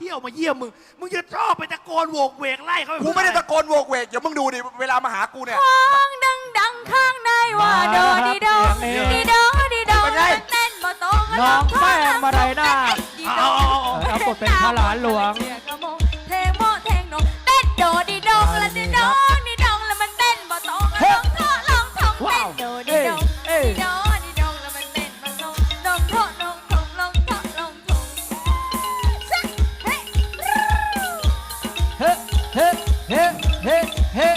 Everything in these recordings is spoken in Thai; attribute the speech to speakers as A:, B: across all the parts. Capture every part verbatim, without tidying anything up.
A: ที่ยวมาเยี่ยมมึงมึงจะชอบไปตะโกนโวกเวกไล่เขา
B: กูไม่ได้ตะโกนโวกเวกเดี๋ยวมึงดูดิเวลามาหากูเนี่ย
C: ห้องดังดังข้างในว่าโดดีโดดีโดดีโดเต้นบ่ตรง
D: น้องแป้งมาไรหน้า
A: เอาเอาเอา
D: รับบทเป็นพระหลานหลวง
C: เทงโมเทงโนเต้นโดดีโดแล้วดีโดดีโดแล้วมันเต้นบ่ตรงลองท่อลองท่องเต้นโดดีโดดีโดดีโดแล้วมันเต้นบ่ตรงลองท่อลองท่องลองท่อลองท่องเฮ้
D: เฮ้เฮ้เฮ้เฮ้เฮ้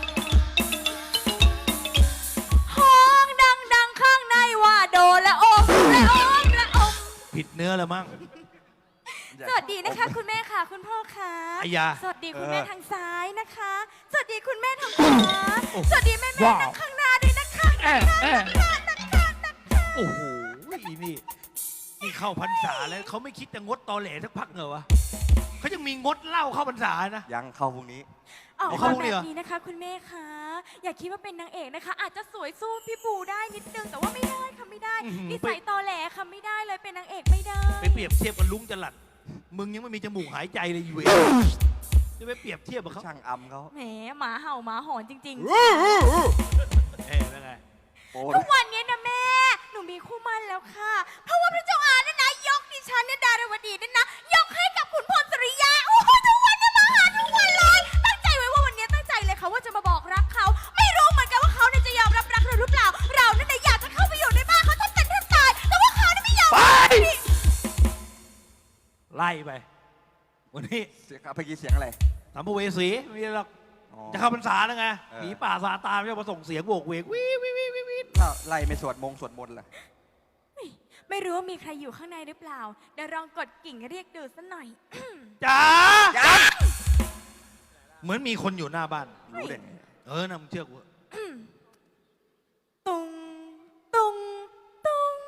C: ห้องดังดังข้างในว่าโดและอมและอมและอม
A: ผิดเนื้อแล้วมั้ง
C: สวัสดีนะคะคุณแม่ค่ะคุณพ่อค่ะ
A: อายา
C: สวัสดีคุณแม่ทางซ้ายนะคะ สวัสดีคุณแม่ทางขวาสวัสดีแม่แม่ทางข้างหน้าด้วยนะคะ
D: แอะแอะ
A: โอ้โหอีนี่นี่เข้าพรรษาแล้วเขาไม่คิดจะงดตอแหลสักพักเหรอวะเขายังมีงดเหล้าเข้าพรรษานะ
B: ยังเข้าพรุ่งนี้
C: ออก
A: เอา
C: มา
A: เข้าเลย
C: แบ
A: เหรอ
C: บนี้นะคะ คุณแม่คะอย่าคิดว่าเป็นนางเอกนะคะ อาจจะสวยสู้พี่ปูได้นิดนึงแต่ว่าไม่ได้ค่ะไม่ได้นิสัยตอแหลค่ะไม่ได้เลยเป็นนางเอกไม่ได้
A: ไปเปรียบเทียบกับลุงจรัดมึงยังไม่มีจมูกหายใจเลยอยู่เองจะไปเปรียบเทียบกับเขา
B: ช่างอำเขา
C: แหมหมาเห่าหมาหอนจริง
A: เอ๊ะเป็นไง
B: โอ้
C: ๆทุกวันนี้นะแม่หนูมีคู่มั่นแล้วค่ะ เพราะว่าพระเจ้าอาเนี่ยนะยกดิฉันเนี่ยดารวดีเนี่ยนะยกให้กับขุนพลสุริยาโอ้โหทุกวันเนี่ยมาหาทุกวันเลยตั้งใจไว้ว่าวันนี้ตั้งใจเลยค่ะว่าจะมาบอกรักเขาไม่รู้เหมือนกันว่าเขาเนี่ยจะยอมรับรักเราหรือเปล่า เราเนี่ยนะอยากจะเข้าไปอยู่ในบ้านเขาแทบเป็นแทบตายแต่ว่าเขาเนี่ยไม่ยอม
A: ไปไล่ไปวันนี้
B: เสียงเมื่อกี้เสียงอะไร
A: สัมภเวสีไม่ใช่หรอก
B: อ๋อ
A: จะเข้าพรรษาแล้วไง
B: เออ
A: หนีป่าซาตานไม่มาส่งเสียงโวกเวกวิววิววิววิววิว
B: แล้วไล่ไม่สวดมงสวดมนต์ล่ะ
C: ไม่รู้ว่ามีใครอยู่ข้างในหรือเปล่าเดี๋ยวลองกดกิ่งเรียกดูสักหน่อย
A: จ้า
B: จ้า
A: เหมือนมีคนอยู่หน้าบ้าน
B: รู้ได้ไง
A: เออนะมึงเชื่อกู
C: ตุงตุงตุง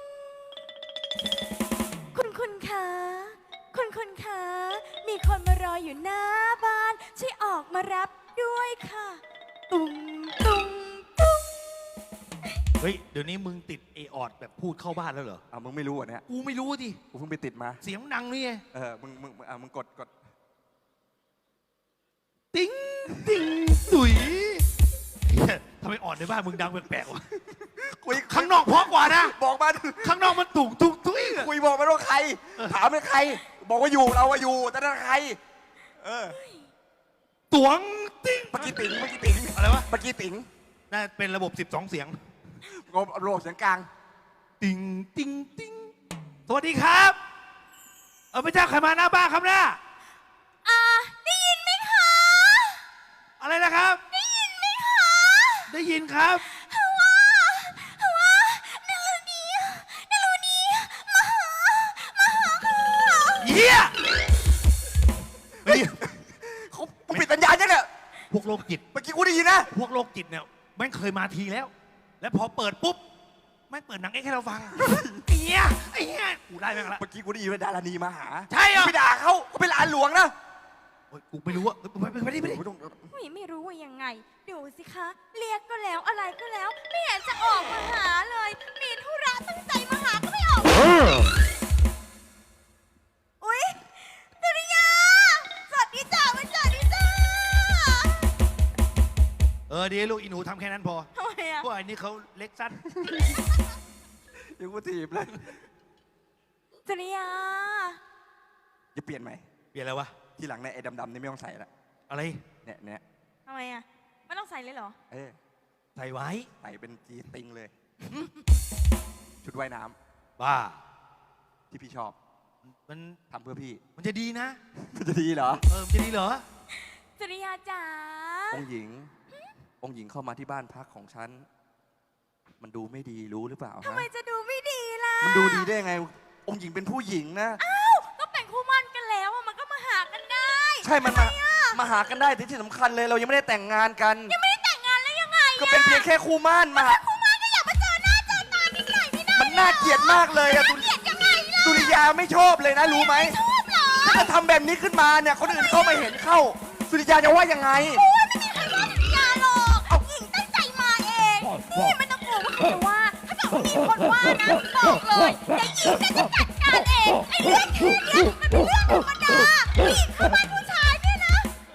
C: คุณคุณคะคุณคุณคะมีคนมารออยู่หน้าบ้านช่วยออกมารับด้วยค่ะ ตุงตุงตุง
A: เฮ้ยเดี๋ยวนี้มึงติดเอออดแบบพูดเข้าบ้านแล้วเหรอ
B: อ่ะมึงไม่รู้อ่ะเนี่ย
A: กูไม่รู้ดิ
B: กูเพิ่งไปติดมา
A: เสียงดังนี่ไง
B: เออมึงมึงอ่ะมึงกดกด
A: ติ้งติ้งตุ๋ยเหี้ยทำไมออดในบ้านมึงดังแปลกๆวะ
B: คุย
A: ข้างนอกเพราะกว่านะ
B: บอกมา
A: ข้างนอกมันตุ่งตุ่งตุ้ยอะ
B: คุยบอกมาว่าใคร ถามเป็นใคร บอกว่าอยู่เราว่าอยู่แต่นั่นใคร เออ
A: ตวงติ้ง
B: เมื่อกี้ติ๋งเมื่อกี้ติ๋ง
A: อะไรวะ
B: เมื่อกี้ติ๋ง
A: น่าเป็นระบบสิบสองเสียง
B: งบโลกเสียงกลาง
A: ติ้งติ้งติ้งสวัสดีครับ เออพระเจ้าใครมาหน้าบ้านครับน้า
C: อ่าได้ยินไหมคะ
A: อะไรนะครับ
C: ได้ยินไหมคะ
A: ได้ยินครับ
C: ว่าว่านารุณีนารุณีมาหามาหาค่ะ
A: เฮียเฮ้ย
B: เขากูปิดสัญญาณยังเนี่ย
A: พวกโรคจิต
B: เมื่อกี้กูได้ยินนะ
A: พวกโรคจิตเนี่ยแม่งเคยมาทีแล้ว แล้วพอเปิดปุ๊บแม่งเปิดหนังเอ็กซ์ให้เราฟังไอ้เหี้ยไอ้เหี้ยกูได้แม่งละ
B: เมื่อกี้กูได้ยินว่าดารานีมาหา
A: ใช่เหรอ
B: กูไปด่าเขาเขาเป็นหลานหลวงนะ
A: โอ๊ยกูไม่รู้อะเฮ้ยไปไปไปดิไปดิ
B: ไม่ต้อง
C: ไม่ไม่รู้ว่ายังไง ดูสิคะ เรียกก็แล้วอะไรก็แล้ว ไม่เห็นจะออกมาหาเลย มีธุระตั้งใจมาหาก็ไม่ออกอุ๊ยสุริยาสวัสดีจ้าวันสวัสดีจ้า
A: เออดีลูกอีหนูทำแค่นั้นพอ
C: ทำไมอะ
A: พวกไอ้นี่เขาเล็กสั้น
B: ยังกูถีบเลย
C: สุริยา
B: จะเปลี่ยนไหม
A: เปลี่ยนอะไรวะ
B: ทีหลังในยไอ้ดำๆนี่ไม่ต้องใส่ละ
A: อะไร
B: เนี่ยเนี่ย
C: ทำไมอะไม่ต้องใส่เลยเหรอ
B: เออ
A: ใส่ไว้
B: ใส่เป็นจีติงเลย ชุดว่ายน้ำ
A: บ้า
B: ที่พี่ชอบ
A: มัน
B: ทำเพื่อพี่
A: มันจะดีนะ
B: มันจะดีเหรอ
A: เออมันจะดีเหรอ
C: สุริยาจ๋า
B: องค์หญิง องค์หญิงเข้ามาที่บ้านพักของฉัน มันดูไม่ดีรู้หรือเปล่า
C: ทำ
B: ฮะ
C: ไมจะดูไม่ดีล่ะ
B: มันดูดีได้ยังไง องค์หญิงเป็นผู้หญิงนะ
C: อ้าวก็เป็นคู่มั่นกันแล้วอะมันก็มาหากันได้
B: ใช่ มันมา มาหากันได้แต่ที่สำคัญเลยเรายังไม่ได้แต่งงานกัน
C: ยังไม่ได้แต่งงานแล้วยังไง
B: ก็เป็นเพียงแค่คู่มั่นมาหา
C: คู่มั่นก็อยากมาเจอหน้าเจอตานิดหน่อยไม่ได้
B: มันน่าเกลียดมากเลยอะตุ
C: เกลียดยังไงล่ะ
B: ตุริยาไม่ชอบเลยนะรู้ไหม
C: ชอบเหรอ
B: ถ้าจะทำแบบนี้ขึ้นมาเนี่ยคนอื่นเข้ามาเห็นเข้า สุริยาจะว่ายังไง
C: โอ้ยไม่มีใครว่าสุริยาหรอกเอาหญิงตั้งใจมาเองนี่ไม่ต้องกลัวว่าใครจะว่าถ้าเกิดว่ามีคนว่านะบอกเลยเดี๋ยวหญิงจะจัดการการเองไอ้เรื่องแค่เนี้ยมันเป็นเรื่องธรรมดาผู้หญิงเข้าบ้านผู้ชายเนี่ยนะ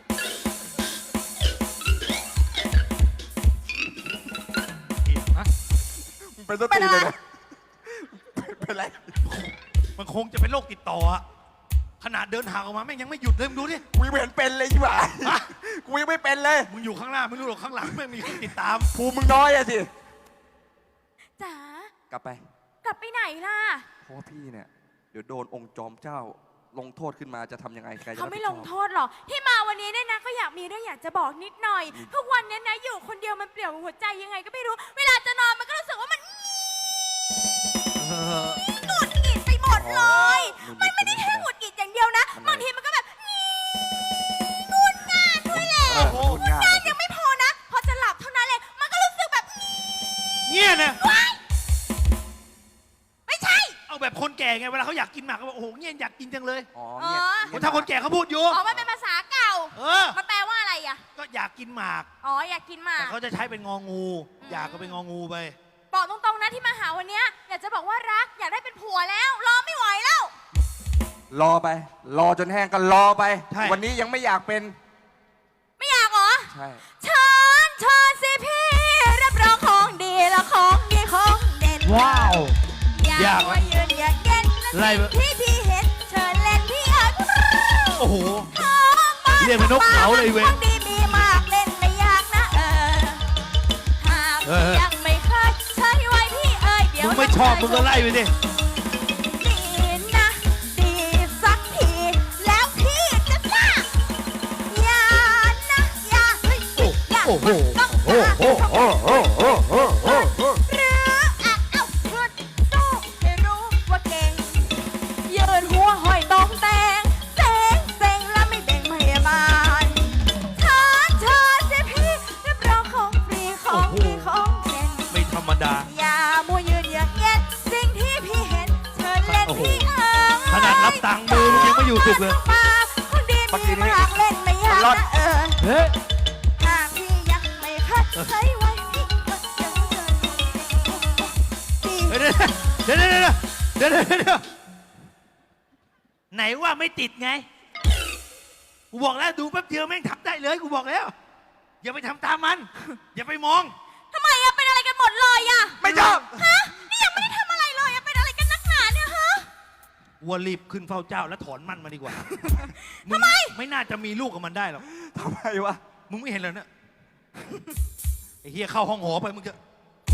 A: ฮะ
B: มันเป็นสติเลยนะเป็นไร
A: มันคงจะเป็นโรคติดต่ออะขนาดเดินห่างออกมาแม่งยังไม่หยุดเลยมึงดูดิ
B: กูยังไม่เห็นเป็นเลยใช่ไหมกูยังไม่เป็นเลย
A: มึงอยู่ข้างหน้าไม่รู้หรอกข้างหลังแม่งมีคนติดตาม
B: ภูมิมึงน้อยอะสิ
C: จ๋าก
B: ลับไป
C: กลับไปไหนล่ะ
B: เพราะว่าพี่เนี่ย เดี๋ยวโดนองค์จอมเจ้า ลงโทษขึ้นมาจะทำยังไงใครจะ
C: เขาไม่
B: รับ
C: ล
B: ผิด
C: ง
B: ช
C: โท
B: อบ
C: ษหรอกที่มาวันนี้เนี่ยนะก็อยากมีเรื่องอยากจะบอกนิดหน่อยทุกวันเนี้นะอยู่คนเดียวมันเปลี่ยวหัวใจยังไงก็ไม่รู้ เวลาจะนอนมันก็รู้สึกว่ามัน
A: เออ
C: หงุดหงิดไปหมดเลย มันไม่ได้แค่หงุดหงิดอย่างเดียวนะบางทีมันก็แบบงุนง่านด้วยแหละ
B: เออพูดง่าย
C: ง่านยังไม่พอนะ พอจะหลับเท่านั้นเลยมันก็รู้สึกแบบ
A: เงี้ยนะ
C: ว้ายไม่ใช่
A: เอาแบบคนแก่ไงเวลาเขาอยากกินหมากก็บอกโอ้โหเงี้ยอยากกินจังเลย
B: อ๋อ
C: อ๋อ
B: เนี่ย
A: คนถ้าคนแก่เขาพูดอยู่
C: อ๋อมันเป็นภาษาเก่า
A: เออ
C: มันแปลว่าอะไรอ่ะ
A: ก็อยากกินหมาก
C: อ๋ออยากกินหมา
A: แต่
C: ก
A: เขาจะใช้เป็นงองู
C: อืม
A: อยากก็เป็นงองูไป
C: บอกตรงๆนะที่มาหาวันเนี้ยอยากจะบอกว่ารักอยากได้เป็นผัวแล้วรอไม่ไหวแล้ว
B: รอไป รอจนแห้งก็รอไป
A: ใช่
B: วันนี้ยังไม่อยากเป็น
C: ไม่อยากเหรอ
B: ใช่
C: เชิญเชิญสิพี่รับรองของดีและของดีของเด่น
D: ว้าว
C: อยากมายืนอยากเย็น
A: ไล่
C: และ
A: ไป
C: สิ่งที่พี่เห็นเชิญเล่นพี่เอ๋ย
A: โอ้โห
C: ของบ้าน
A: เรียกเป็นนกเขาเลยเว้ย
C: ของดีมีมากเล่นไม่ยากนะเออหาก
A: เออ
C: ยังไม่เคยใช้ไว้พี่เอ๋ยเดี๋ยว
A: มึงไม่ชอบมึงก็ไล่ไปสิ
C: ดีนะดีสักทีแล้วพี่จะทราบอย่านะอย่าเฮ้ยอย่า
A: โอ้โห
C: ต้อง
A: โอ้โหโอ้โหโอ้โหโอ้โห
C: หรืออ่ะเอ้าพูดสู้ให้รู้ว่าเก่งยืนหัวห้อยตองแตงเซ็งเซ็งแล้วไม่เบ่งพยาบาลเชิญเชิญสิพี่รับรองของฟรีของดีของเด่น
A: ไม่ธรรมดา
C: อย่ามัวยืนอย่างเย็นสิ่งที่พี่เห็นเชิญเล่น
A: โอ้โห
C: พี่เอ๋ย
A: ขนาดรับตังค์มือมึงยังไม่อยู่สุดเลย
C: คนดีมีมากเล่นไม่ยากนะเออ
D: เฮ้ย
C: หากพี่ยังไม่คัดใช้ไว้พี่ก็จะเชิญพี่
A: เดี๋ยวเดี๋ยวเดี๋ยวเดี๋ยวเดี๋ยวเดี๋ยวเดี๋ยวไหนว่าไม่ติดไง กูบอกแล้วดูแป๊บเดียวแม่งทำได้เลยกูบอกแล้ว อย่าไปทำตามมัน อย่าไปมอง
C: ทำไมอะเป็นอะไรกันหมดเลยอะ
B: ไม่ชอบ
C: ฮะนี่ยังไม่ได้ทำอะไรเลยอะเป็นอะไรกันนักหนาเนี่ยฮะ
A: วัวรีบขึ้นเฝ้าเจ้าแล้วถอนมันมาดีกว่า
C: ทำไม
A: ไม่น่าจะมีลูกกับมันได้หรอก
B: ทำไมวะ
A: มึงไม่เห็นเลยเนี่ย ไอ้เฮียเข้าห้องหอไปมึงจะ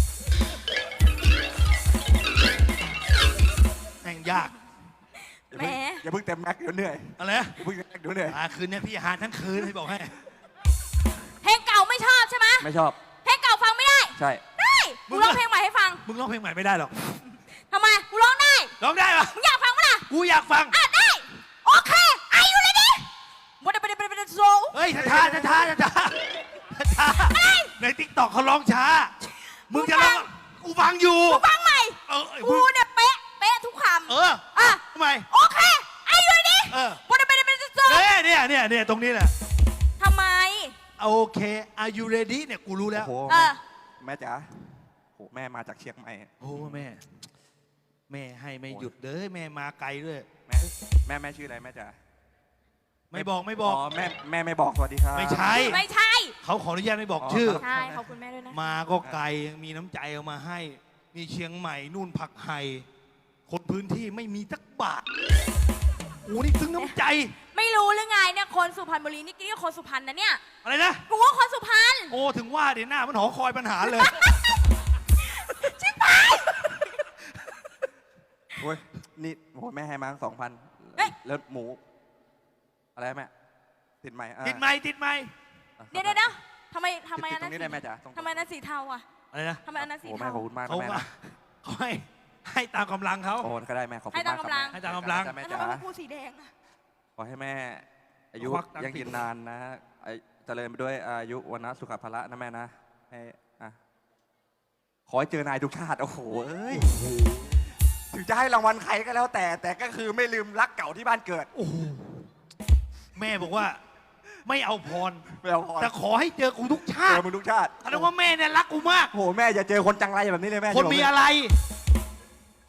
A: แม่งยาก
B: อย่าเพิ่งอย่าเพิ่งเต็มแม็กซ์เดี๋ยวเหนื่อย
A: อะไรนะ
B: อย่าเพิ่งเต็มแม็กซ์เดี๋ยวเหนื่อย
A: อ่าคืนนี้พี่หาทั้งคืนให้บอกให้
C: เพลงเก่าไม่ชอบใช่ไหม
B: ไม่ชอบ
C: เพลงเก่าฟังไม่ได้
B: ใช่
C: ได้กูร้องเพลงใหม่ให้ฟัง
A: มึงร้องเพลงใหม่ไม่ได้หรอก
C: ทำไมกูร้องได้
A: ร้องได้ปะ
C: มึงอยากฟังปะล่ะ
A: กูอยากฟัง
C: อ่ะได้โอเคไอายุเลยดิบดบดบดบดโซ
A: เฮ้ยช้าช้าช้าช้าช้าช้าในทิกตอกเขาร้องช้า มึงจะร้องกูฟังอยู่
C: กูฟังใหม่
A: เออ
C: กู
A: มึง
C: เนี่ยเป๊ะเป๊ะทุกคำ
A: เออ
C: อ่ะ
A: ทำไม
C: โอเคไอายุเลยดิ
A: เออบ
C: ดบดบดโซ
A: เนี่ยเนี่ยเนี่ยเนี่ยตรงนี้แหละ
C: ทำไม
A: โอเค are you ready เนี่ยกูรู้แล้ว
B: โอ้โห
C: เออ
B: แม่จ๋าโหแม่มาจากเชียงใหม่
A: โอ้แม่ แม่ให้ไม่หยุดเลยแม่มาไกลด้วย
B: แม่แม่แม่ชื่ออะไรแม่จ๋า
A: ไม่บอกไม่บอก
B: อ๋อแม่แม่ไม่บอกสวัสดีครับ
A: ไม่ใช่
C: ไม่ใช่
A: เขาขออนุญาตไม่บอก
B: อ๋อ
A: ชื่อ
C: ใช่ขอบคุณแม่ด้วยนะ
A: มาก็ไกลยังมีน้ำใจเอามาให้ มีเชียงใหม่นู่นผักไห่คนพื้นที่ไม่มีสักบาทโอ้นี่ซึ้งน้ำใจ
C: ไม่รู้หรือไงเนี่ยคนสุพรรณบุรีนี่นี่คนสุพรรณนะเนี่ย
A: อะไรนะ
C: กูว่าคนสุพรรณ
A: โอ้ถึงว่าเดี๋ยวหน้ามันหอคอยปัญหาเลย
C: ชิบหาย
B: โอ้ยนี่โหแม่ให้มาสองพันแล้วหมู อะไรแม่ติดไหมอ่ะ
A: ติดไหมติดไหม
C: เดี๋ยวเดี๋ยวเดี๋ยวทำไมทำไม
B: ติ
C: อั
B: ด
C: น
B: ตร
C: นั้น
B: งนี้ได้แม่จ๋าตรง
C: ทำไมอันนั้นสีเทาอ่ะ
A: อะไรนะ
C: ทำไมอันนั้นสี
B: โอ้แม่
C: เทา
B: ขอบคุณมากนะ
A: เขา
B: แม่
A: ว่า
B: นะ
A: เขาให้ให้ตามกำลังเขา
B: โอ้ก็ได้แม่ขอบคุณ
C: ให้ตาม
B: มากครับ
C: กำลัง
B: แม่
A: ให้ตามกำลัง
B: จ้ะแม่
C: แล้ว
B: จ๋า
C: ทำไมกูสีแดงอ่ะ
B: ขอให้แม่ อายุ
A: ควักตังค์
B: ยังยืนนานนะไอ้เจริญไปด้วยอายุวันนะสุขภาระนะแม่นะให้อ่ะขอให้เจอนายทุกชาติโอ้โหเอ้ยถึงจะให้รางวัลใครก็แล้วแต่ แต่ก็คือไม่ลืมรักเก่าที่บ้านเกิด
A: โอ้โหแม่บอกว่า ไม่เอาพร
B: ไม่เอาพร
A: แต่ขอให้เจอกูทุกชา
B: เจ
A: ติ
B: อมึงทุกชาติ
A: แสดงว่าแม่เนี่ยรักกูมาก
B: โอ้โหแม่อย่าเจอคนจังไรแบบนี้เลยแม่
A: คนมีอะไร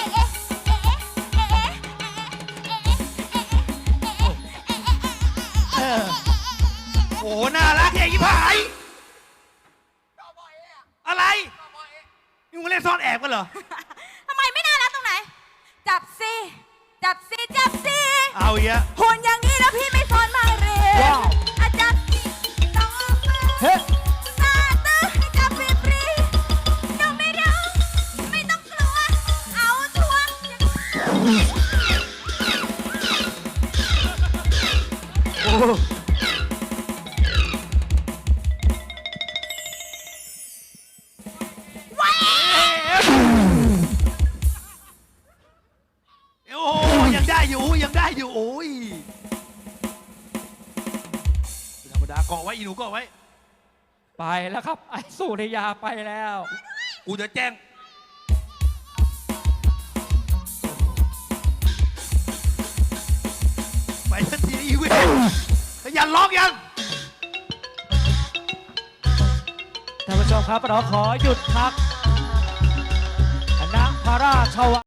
A: เออโอ้น่ารักแค่ยี่ผายอะไรนี่มึงเล่นซ่อนแอบกันเหรอ
C: ทำไมไม่น่ารักตรงไหน จับสิจับสิจับสิ
A: เอาอีกอะ
C: หุ่นอย่างนี้แล้วพี่ไม่สอนมาเรีย
D: ว้าว
C: อาจับสิต้องเอามือ
D: เฮ้
C: ซาตื้อให้จับฟรีๆน้องไม่รู้ไม่ต้องกลัว เอาชัวร์
A: โอ้โอ้ยังได้อยู่ยังได้อยู่โอ้ยธรรมดาเกาะไว้อีหนูเกาะไว้
D: ไปแล้วครับ ไอ้สุริยาไปแล้ว
A: กูจะแจ้ง ไปทันทีอีเวนขยันล็อกยัง
D: ท่านผู้ชมครับเราขอหยุดพักคณะพระราชวัง